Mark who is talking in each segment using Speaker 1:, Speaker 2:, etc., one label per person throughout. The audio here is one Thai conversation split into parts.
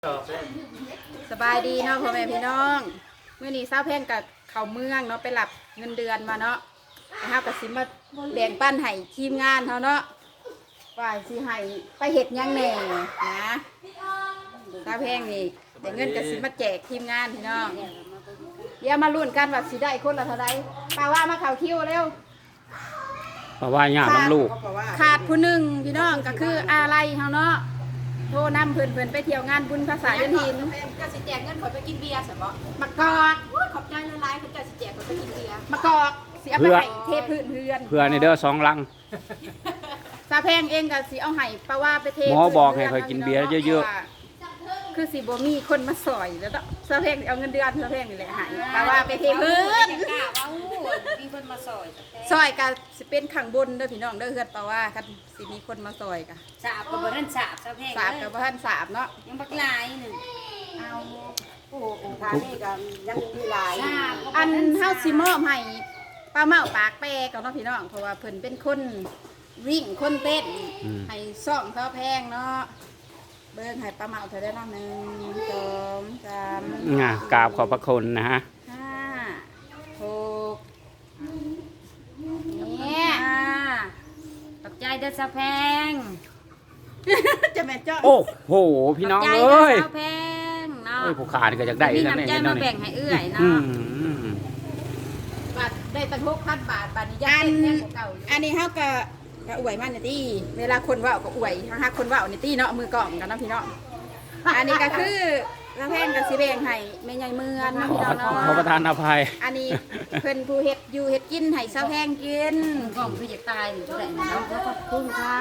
Speaker 1: สบายดีเนาะพ่อแม่พี่น้องเมื่อนี้สาวแพงกับเขาเมืองเนาะไปหลับเงินเดือนมาเนาะนะครับกับสิมาแบ่งปันให้ทีมงานเขาเนาะว่าสิให้ไปเห็ดยังแหน่นะสาวแพงนี่แต่เงินกับสิมาแจกทีมงานพี่น้องเดี๋ยวมาลุ้นกันว่าสิได้คนละเท่าไรป้าว่ามาเข่าคิวเร็ว
Speaker 2: เพราะว่าญาติน้ำลูก
Speaker 1: ขาดผู้หนึ่งพี่น้องก็คืออะไรเขาเนาะโทรนำเพื่อนไปเที่ยวงานบุญภาษาเดือนหินก็สิแจกเงินขอไปกินเบียร์สิบ่มากอกขอบใจละลายเพื่อนจะสิแจกขอไปกินเบียร์มากอกสิเอาไปให้เทพื้นเพื่อน
Speaker 2: เพื่อในเด้อ2 ลัง
Speaker 1: ซาแพงเองก็สิเอาให้ป้าว่าไปเท
Speaker 2: หมอบอกให้คอยกินเบียร์เยอะ
Speaker 1: ๆคือสิบ่มีคนมาสอยแล้วซาแพงเอาเงินเดือนซาแพงนี่แหละให้ป้าว่าไปเทพื้น
Speaker 3: มีคนมาซอย
Speaker 1: ซอยก็สิเป็นข้างบนเด้อพี่น้องเด้อเฮือนป้าว่าคันสิมีคนมาซอยก็
Speaker 3: สาบกับบ่ทันสาบซะแพง
Speaker 1: สาบกับบ่ทันสาบเนาะ
Speaker 3: ยังบักหลายนึง
Speaker 1: เอา
Speaker 3: โอ้ทางนี้ก็ยังมีหลาย
Speaker 1: อันเฮาสิมอบให้ป้าเมาปากแปรกับน้องพี่น้องเพราะว่าเพิ่นเป็นคนวิ่งคนเต้นให้ซ่องเขาแพงเนาะเบิ่งให้ป้าเมาเท่าได้น้อง1 2 3
Speaker 2: กราบขอบพระคุณนะฮะ
Speaker 1: 5 6เนี่ย
Speaker 3: ตกใจเด้อซะแพง
Speaker 1: จะแม่นจ้อ
Speaker 2: โอ้โหพี่น้องเอ้ย
Speaker 3: ซะแพงเนาะ
Speaker 2: ผู้ขาดก็อยากได้
Speaker 3: มีน้ำใจมาแบ่งให้เอื้อยเนาะ
Speaker 1: บาทได้ตั้ง6,000 บาทบาทนี้ยังเป็นแพงกว่าเก่าอยู่อันนี้เฮาก็อวยมันนี่ตี้เวลาคนว่าก็อวยฮะคนว่านี่ตี้เนาะมือกล่องกันเนาะพี่น้องอันนี้ก็คือละแพงกับสิแบ่งให้แม่ใหญ่เมืองนะพี่น้องเนาะ
Speaker 2: ขอประทานอภัย
Speaker 1: อันนี้เพิ่นผู้เฮ็ดอยู่เฮ็ดกินให้สาวแพงกิน
Speaker 3: กล่องคือจะตายอยู่ได้เนาะขอบคุณค่ะ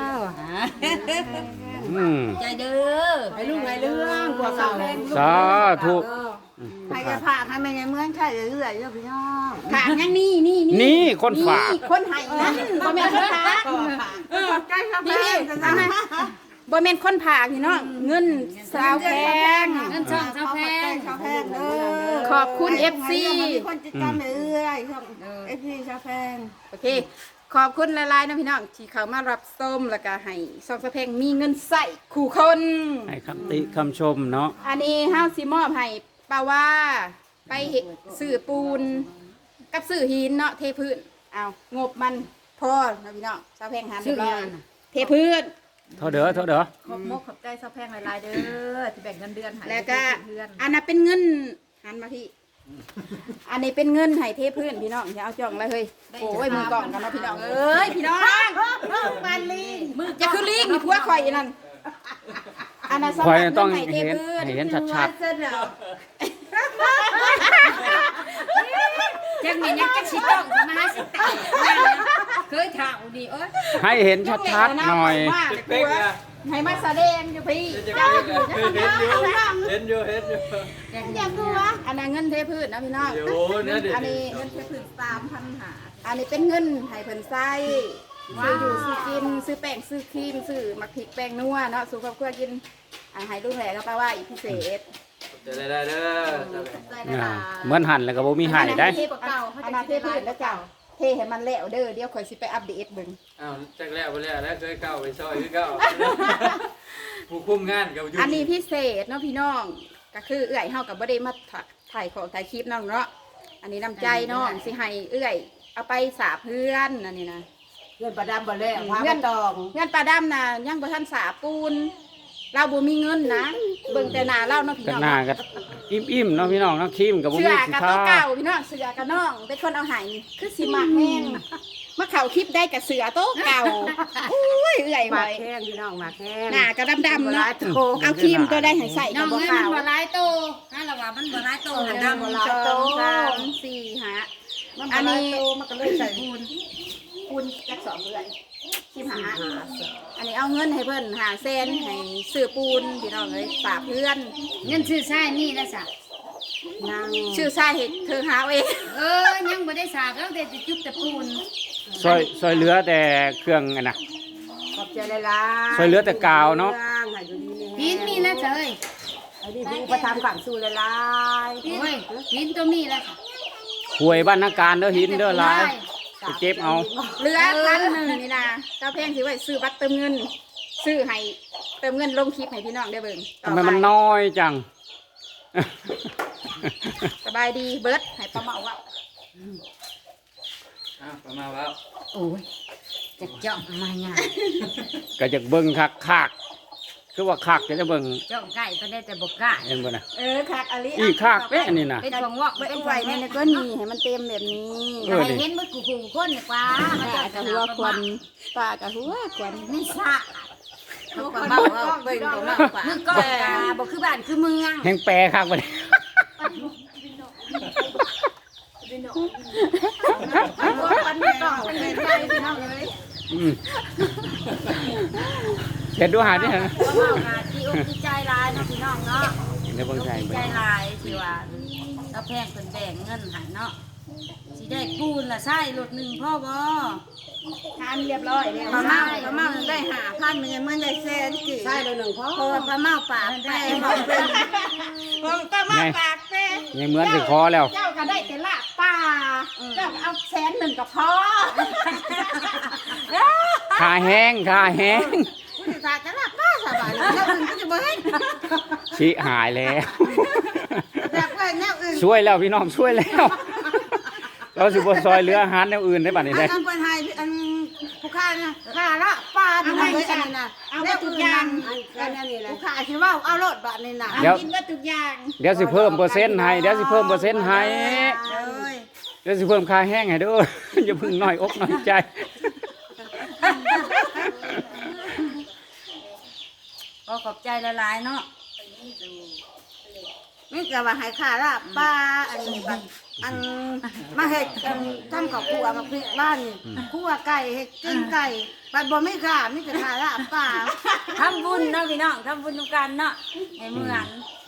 Speaker 3: ใจเด้อ
Speaker 1: ให้ลูกให้เรื่องกว่าสาวแพง
Speaker 2: สาธุ
Speaker 3: ใครจะฝากให้แม่ใหญ่เมืองใช่เรื่อยๆพี่น้อง
Speaker 1: ฝากยังนี่
Speaker 2: คนฝาก
Speaker 1: คนให้นั่นบ่แม่นคนฝาก
Speaker 3: ใกล้ครับแม่
Speaker 1: บ่แม่นคนผากพี่น้องเงินสาวแพง
Speaker 3: เงินช่องสาวแพง
Speaker 1: ขอบคุณ FC
Speaker 3: คนติดตามเรื่อยช่อง FC สาวแพง
Speaker 1: โอเคขอบคุณหลายๆนะพี่น้องที่เข้ามารับชมแล้วก็ให้สาวแพงมีเงินใส่คู่คน
Speaker 2: ให้คำติคำชมเนาะ
Speaker 1: อันนี้เฮาสิมอบให้ป้าว่าไปซื้อปูนกับซื้อหินเนาะเทพื้นเอางบมันพอนะพี่น้องสาวแพงหาเรียบร้อยเทพื้น
Speaker 2: เท่าเด้อ
Speaker 1: ขอบมกขอบใจสาวแพงหลายๆเด้อที่แบ่งเงินเดือนให้แล้วก็อันนั้นเป็นเงินหันมาพี่อันนี้เป็นเงินให้เทพื้นพี่น้องอย่าเอาจ่องเลยเฮ้ยโอ้ยมือกล่องกันเนาะพี่น้องเอ้ยพี่น้องมันลิงมือจะคือลิงมีผัวข่อยนั่นอันนั้นสำหรับ
Speaker 2: ต้อง
Speaker 1: เงินให้เทพื้น
Speaker 2: เห็นชัด
Speaker 3: จังมียังจักสิต้องมาหาสิตายเคยถามดีเอ้ย
Speaker 2: ให้เห็นชัดๆหน่อย
Speaker 1: ให้มาแสดงอยู่พี่
Speaker 4: เห็นอยู่
Speaker 1: อยากดูวะอันนั้นเงินเทพื้นนะพี่น้องอันนี้เงินเทพื้น3,000 หาอันนี้เป็นเงินให้เพิ่นใส่ซื้ออยู่ซื้อกินซื้อแป้งซื้อครีมซื้อมักพริกแป้งนัวเนาะสู่ครอบครัวกินให้ลูกแหล่ก็แปลว่าอีกพิเศษ
Speaker 4: ได้เด้อ
Speaker 2: เหมือนหั่นแล้วก็บ่มีหายได้
Speaker 1: อันนั้นเทพื้นแล้วเจ้าเทให้มันแล้วเด้อเดี๋ยวข่อยสิไปอัปเดตเบิ่ง
Speaker 4: อ้าวจักแล้วบ่แล้วเคยเข้าไปซอยคือเก่าผู้คุมงานกับอยู่
Speaker 1: อันนี้พิเศษเนาะพี่น้องก็คือเอื้อยเฮาก็บ่ได้มาถ่ายของถ่ายคลิปน้องเนาะอันนี้น้ำใจน้องสิให้เอื้อยเอาไปสาบเพื่อนอันนี้นะ
Speaker 3: เพื่อนปลาดำบ่แล้วเ
Speaker 1: พื่อนปลาดำน่ะยังบ่ทันสาปูนเราบ่มีเงินนะเบิ่งแต่หน้าเราเนาะพี่น้อง
Speaker 2: หน้าก็อิ่มๆเนาะพี่น้องเนาะครีมก็บ่มีสิ
Speaker 1: ทาเก่าพี่น้องเสือกับน้องเป็นคนเอาให้คือสิมักแห้งมาเข้าคลิปได้กับเสือโต๊ะเก่าอุ้ยเอื้อยไว้
Speaker 3: แห้งพี่น้องมาแห้ง
Speaker 1: หน้าก็ดำๆเนาะเอาครีมตัวได้ให้ใส่
Speaker 3: กับบ่ขาวบ่หลายโตถ้าละว่ามันบ่หลายโตหันดำบ่หลายโต
Speaker 1: 3 4 5อันนี้มันก็เลยใส่ปูนจัก2เอื้อย15อันนี้เอาเงินให้เพิ่น500,000ให้ซื้อปูนพี่น้องเอ้ยฝากเพื่อน
Speaker 3: เงินซื้อใช้นี่ละซะ
Speaker 1: ชื่อสาเหตุเธอหาเอง
Speaker 3: ยังบ่ได้สาบแล้วแต่จุ๊บแต่ปูน
Speaker 2: ซอยเหลือแต่เครื่องอันน่ะ
Speaker 3: ขอบใจหลาย
Speaker 2: ๆซอยเหลือแต่กาวเนาะ
Speaker 3: หินมีแล้วเจ้ย
Speaker 1: อันนี้ผู้ประทำขังสู้หลาย
Speaker 3: โอ้ยหินตัวมีแล้วค่ะ
Speaker 2: หวยบ้านนักการเด้อหินเด้อหลายไปเก็บเอา
Speaker 1: เหลือ1,000นี่นะเจ้าแพงสิไว้ซื้อบัตรเติมเงินซื้อให้เติมเงินลงคลิปให้พี่น้องได้เบิ่งต่อ
Speaker 2: ทำไม
Speaker 1: ไป
Speaker 2: มันน้อยจัง
Speaker 1: สบายดีเบิร์ดให้ป้าเมาว่า
Speaker 4: ประมาณว่า
Speaker 3: โอ้ยจะเจาะมาหยัง
Speaker 2: ก็จะเบิ่งคักคือว่าคักจะเบิ่ง
Speaker 3: เจาะไก่ก็ได้แต่บ่กล้า
Speaker 2: เห็นบ่น่ะ
Speaker 1: คักอลิ
Speaker 2: อีคักเด้อันนี้น่ะ
Speaker 3: เป็นของวอก
Speaker 1: เป็น
Speaker 3: เป็น
Speaker 1: ไหว
Speaker 3: ไว้
Speaker 1: ใน
Speaker 3: ใน
Speaker 1: ก็นี่ให้มันเต็มแบบนี้
Speaker 2: เออ
Speaker 3: ให้เห็นมือกูขู่คนนี่กว่า
Speaker 1: ป้ากะหัวควันป้ากะหัวควัน
Speaker 3: ไม่ซะ
Speaker 1: เขาก็เมาว่าเบิ่งก็เมาป่า
Speaker 3: มือก้อนกาบ่คือบ้านคือเมือง
Speaker 2: แฮงแปรคักบ่ได้
Speaker 1: หัวควันไม่ต้องเป็นใจพี่น้องเลย
Speaker 2: อืมเฮ็ดดูหาดิฮะ
Speaker 3: บ่เมากาที่อกที่ใจร้ายเนาะพี่น้องเนาะ
Speaker 2: เดี๋ยวเบิ่งใส่
Speaker 3: ที่
Speaker 2: เบิ่
Speaker 3: ใจ
Speaker 2: ง
Speaker 3: ร้ายที่ว่าเราแพงเพิ่นแบ่งเงินให้เนาะสิได้ปูนละใช่รถหนึงพ่อบ่
Speaker 1: ทานเรียบร้อยแล้วป้าเมาได้5,000มันยังไม่ได้แสนกี่
Speaker 3: ใช่รถหนึงพ่อปลาเมาปากแป้ง
Speaker 1: ป้าเมาปากแป้
Speaker 2: ยังเหมือนสิคอแล้ว
Speaker 1: เจ้าก็ได้แต่ละป้าเจ้าเอา100,000ก็พอ
Speaker 2: ขาแห้งขาแห้ง
Speaker 1: ฝากแต่ละป้าสบายแล้วอื่นก็จะบ่ให้
Speaker 2: ชิหายแล้ว
Speaker 1: แบบว่าแนวอื่น
Speaker 2: ช่วยแล้วพี่น้องช่วยแล้ว เราสิบ่ซอยเหลืออาหารแนวอื่นได้บัดนี้ได้
Speaker 1: อันเป็นไฮอันผู้ค้านะค่าละป้าเป็นไฮอันนี้นะเอาไปทุกอย่างอันนี้แหละผู้ค้าคิดว่าเอารถบัตรนี่นะ
Speaker 2: เดี๋ยว
Speaker 1: กินว่าทุกอย่าง
Speaker 2: เดี๋ยวสิเพิ่มเปอร์เซ็นต์ให้เดี๋ยวสิเพิ่มเปอร์เซ็นต์ให้
Speaker 1: เลย
Speaker 2: เดี๋ยวสิเพิ่มค่าแห้งให้เด้อ อย่าเพึ่งน้อยอกน้อยใจ
Speaker 3: ก็ขอบใจหลายๆเนาะ
Speaker 1: นี่ก็ว่าให้ค่าละป้าอันนี้บัตรอันมาเฮ็ดทำกับครัวมาพริกบ้านครัวไก่เฮ็ดกินไก่บัตรบ่ไม่ค่ามีแต่ค่าละป้า
Speaker 3: ทำบุญเนาะพี่น้องทำบุญทุกกันเนาะให้เมือง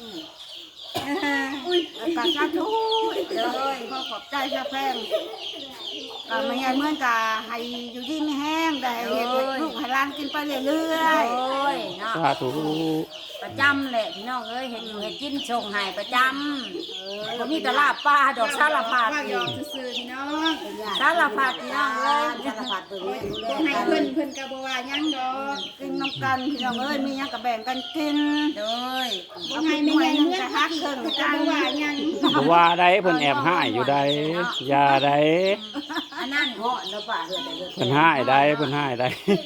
Speaker 1: กาชาทุเลยขอขอบใจชาแพงก็ไม่ใช่เหมือนกาให้อยู่ที่ไม่แห้งแต่ให้ลูกให้ร้านกินไปเรื่อย
Speaker 3: โอ้ยเนาะ
Speaker 2: สาธุ
Speaker 3: ประจำแหละพี่น้องเอ้ยเห็นอยู่เห็นกินชงให้ประจำผมมีแตลาบปลาดอกสารพัด
Speaker 1: ๆยอมซื้อพี่น้อง
Speaker 3: สารพัดพี่น้องเอ้ย
Speaker 1: สารพัดตัวนี้ให้เพิ่นกะบ่ว่ายังดอกกินน้ำกันพี่น้องเอ้ยมียังกะแบ่งกันกิน
Speaker 3: โดย
Speaker 1: บ่ให้ไม่ใหญ่เมื่อฮักเพิ่นกันว่ายัง
Speaker 2: บ่ว่าได้เพิ่นแอบให้อยู่ได้อย่าได้
Speaker 3: อันนั้นเหาะเนาะป่าเฮือแต่เฮือ
Speaker 2: เพิ่นให้ได้เพิ่นให้ได้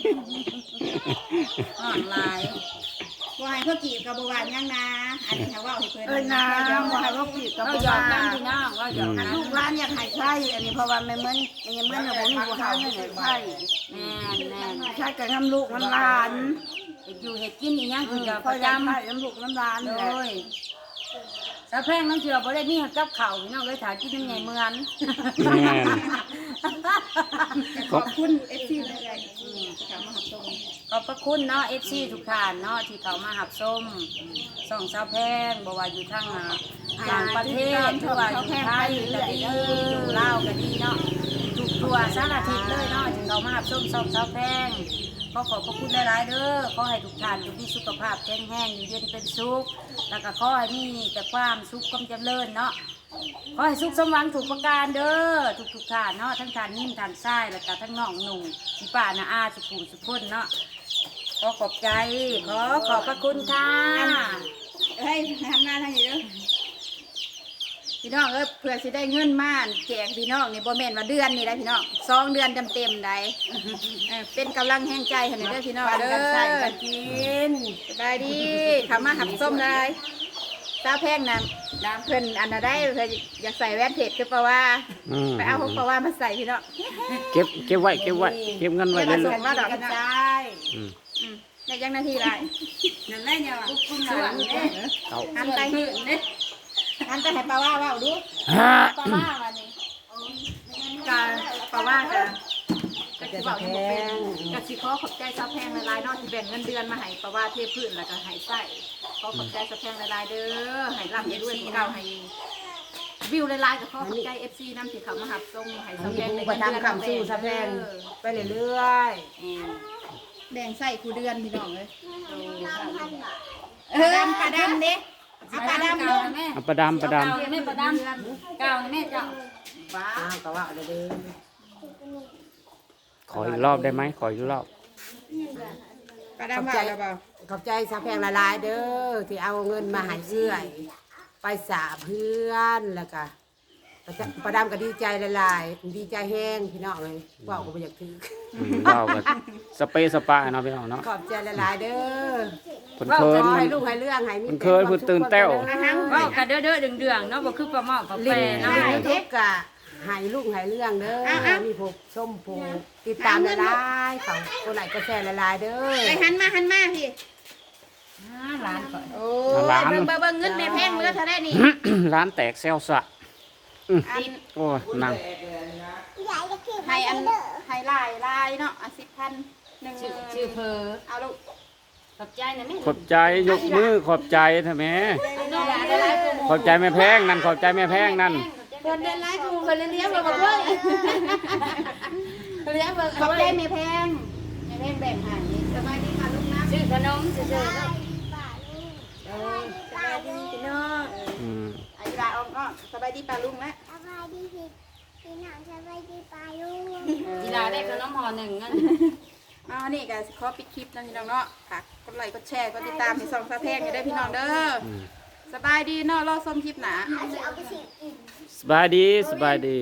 Speaker 3: อ่อนลาย
Speaker 1: บ่ให้เพิ่นกีบกะบ่ว่ายังนะอันนี้ถ้าว่าให้เพิ่นนะบ่ให้ว่ากีบกะ
Speaker 3: เรา
Speaker 1: บ่
Speaker 3: หยอ
Speaker 1: ว่าก
Speaker 3: กันพี่น้องเราหยอกกัน
Speaker 1: ลูกร้านอยากให้ใช่อันนี้เพราะว่าไม่เหมือนไม่เหมือนเราบ่มีบ่หาเงินให้ใช่
Speaker 3: แม่นแม่น
Speaker 1: ใช่กับน้ำลูกน้ำหลาน
Speaker 3: เฮ็ดอยู่เฮ็ดกินอีหยังคือจะ
Speaker 1: พ
Speaker 3: ป
Speaker 1: อ
Speaker 3: ระ
Speaker 1: จำ
Speaker 3: จำ
Speaker 1: ให้น้ำลูกน้ำหลาน
Speaker 3: โด
Speaker 1: เลย
Speaker 3: ยสะแพงน้ำเชื่อบ่ได้มีกับข้าวพี่น้องเลยถากินน้ำใหญ่เมือง
Speaker 2: แม่น
Speaker 1: ขอบคุณเอฟซีเลยถามมาหับตรง
Speaker 3: ขอบพระคุณเนาะ FC ทุกท่านเนาะที่เขามาหับส้มส่องสาวแพงบ่ว่าอยู่ทางต่างประเทศหรือว่าอยู่ไทยก็ดีอยู่ลาวก็ดีเนาะทุกตัวสารทิศเลยเนาะที่เขามาหับส้มส่องสาวแพงขอพระคุณหลายๆเด้อขอให้ทุกท่านมีสุขภาพแข็งแรงอยู่เย็นเป็นสุขแล้วก็ขอให้มีแต่ความสุขความเจริญเนาะ ขอให้สุขสมหวังถูกประการเด้อทุกท่านเนาะทั้งท่านนิ่มท่านทรายแล้วก็ทั้งน้องหนุ่มพี่ป้านาอาสุขุมสุขคนเนาะขอขอบใจขอบพระคุณค่ะ
Speaker 1: เฮ้ยทำงานทางนี้เด้อพี่น้องเพื่อสิได้เงินมาแจกพี่น้องนี่บ่แม่นว่าเดือนนี่ได้พี่น้อง2 เดือนเต็มๆได้เป็นกำลังแห่งใจให้เด้อพี่น้องเด้อ
Speaker 3: กิน
Speaker 1: สบายดีทำมาหับส้มได้ตาแพงนะเพิ่นอันน่ะได้เพิ่นอยากใส่แว่นเพชรคือเปล่าว่า
Speaker 2: อืม
Speaker 1: ไปเอาของเปล่าว่ามาใส่พี่น้อง
Speaker 2: เก็บไว้เก็บไว้เก็บเงินไว้
Speaker 1: เก็บ
Speaker 2: เรื่
Speaker 1: ไว้
Speaker 2: อย
Speaker 1: ว่าดอก
Speaker 3: กระ
Speaker 1: นะ
Speaker 3: จาย
Speaker 2: ๆอืม
Speaker 1: ในยังนาทีไร
Speaker 3: นั่นแหละเนี่ยว่ะคุณส่วนเนี่ย
Speaker 2: เอา
Speaker 1: หันไปหันไปให้เปล่าว่าดู
Speaker 2: ฮะ
Speaker 1: เปล่าว่าวันนี้การเปล่าว่าจะสิบอกอยู่บ่เป็นกสิขอขอบใจซาแพงหลายๆเนาะที่แบ่งเงินเดือนมาให้เปล่าว่าเทพื้นแล้วก็ให้ใส่ขอขอบใจซาแพงหลายๆเด้อให้ร่ำให้ด้วยของเราให้วิวหลายๆก็ขอขอบใจ FC นำที่เขามาหับส่งให้ซาแพงในเงินเดือน
Speaker 3: ไปเรื่อย
Speaker 1: แบ่งใส่คูเดือนพี่น้องเลยปลาดำเด้เอาปลาดำลง
Speaker 3: แม่
Speaker 2: เอาประดามประดาม
Speaker 3: แม่ประดำเก่าแม่เจ้า
Speaker 1: ว้า
Speaker 3: ก็ว่าเด้อ
Speaker 2: ขออีกรอบได้ไหมขออีกรอบ
Speaker 1: ป้าดำว่าแล้วเปล่า
Speaker 5: ขอบใจสาวแพงละลายเด้อที่เอาเงินมาให้เอื้อยไปสาเพื่อนแล้วก็ประดามก็ดีใจละลายดีใจแห้งพี่น้องเลยว่าก็บ่อยากถือ
Speaker 2: ว้าวก็สเปซสปาเนาะพี่น้องเนาะ
Speaker 5: ขอบใจละลายเด้อ
Speaker 2: เพิ่นเคิน
Speaker 5: ขอให้ลูกให้เรื่องให้มี
Speaker 2: มันเคยพูดตื่นแต้ว
Speaker 3: เว้ากันเด้อๆเดืองๆเนาะบ่คือปลาหม้อปลา
Speaker 5: ลิ้
Speaker 3: แปร
Speaker 5: น
Speaker 3: เนาะ
Speaker 5: ให้ทุกกะให้ลูกให้เรื่องเด้อมีผูกส้มผูกติดตามละลายเขาคนไหนก็แชร์ละลายเด้อ
Speaker 1: ไปหันมาพี่
Speaker 3: ร้านก่อน
Speaker 1: โอ้ยเบิ่งเงินแม่แพงเหลือเท่าได้นี่
Speaker 2: ร้านแตกแซวสะ
Speaker 1: อัน
Speaker 2: โอ้ยนั่ง
Speaker 1: ให้อันให้ลายเนาะ10,000
Speaker 3: ชื่อเพอ
Speaker 1: เอาลูก
Speaker 3: ขอบใจนะแม่
Speaker 2: ขอบใจยกมือขอบใจเถอะแม่
Speaker 3: น้องหลานได้หลายตัวหม
Speaker 2: ขอบใจแม่แพงนั่นขอบใจแม่แพงนั่น
Speaker 1: เพิ่นเดินไล่กูเพิ่นเลี้ยงเราบ่เพิ่นเลี้ยงเบิ่งขอบใจแม่แพงแบ่งให้สบายดีค่ะลูกนะ
Speaker 3: ชื่อขนมซื่อๆเนาะ
Speaker 1: สบายดีพี่น้อง
Speaker 2: อืม
Speaker 1: อายุราออมก็สบายดีป้าลุงนะ
Speaker 6: สบายดีพี่น้องสบายดีปลาลูก
Speaker 3: กีฬาได้ขนมห่อหนึ่งงั้น
Speaker 1: อ๋อนี่ก็ขอปิดคลิปนะพี่น้องเนาะฝากกดไลค์กดแชร์กดติดตามให้ส่องสะแพงอยู่ได้พี่น้องเด้อ
Speaker 2: อืม
Speaker 1: สบายดีเนาะรอชมคลิปหนา
Speaker 6: เอาไปสิ
Speaker 2: สบายดีสบายดี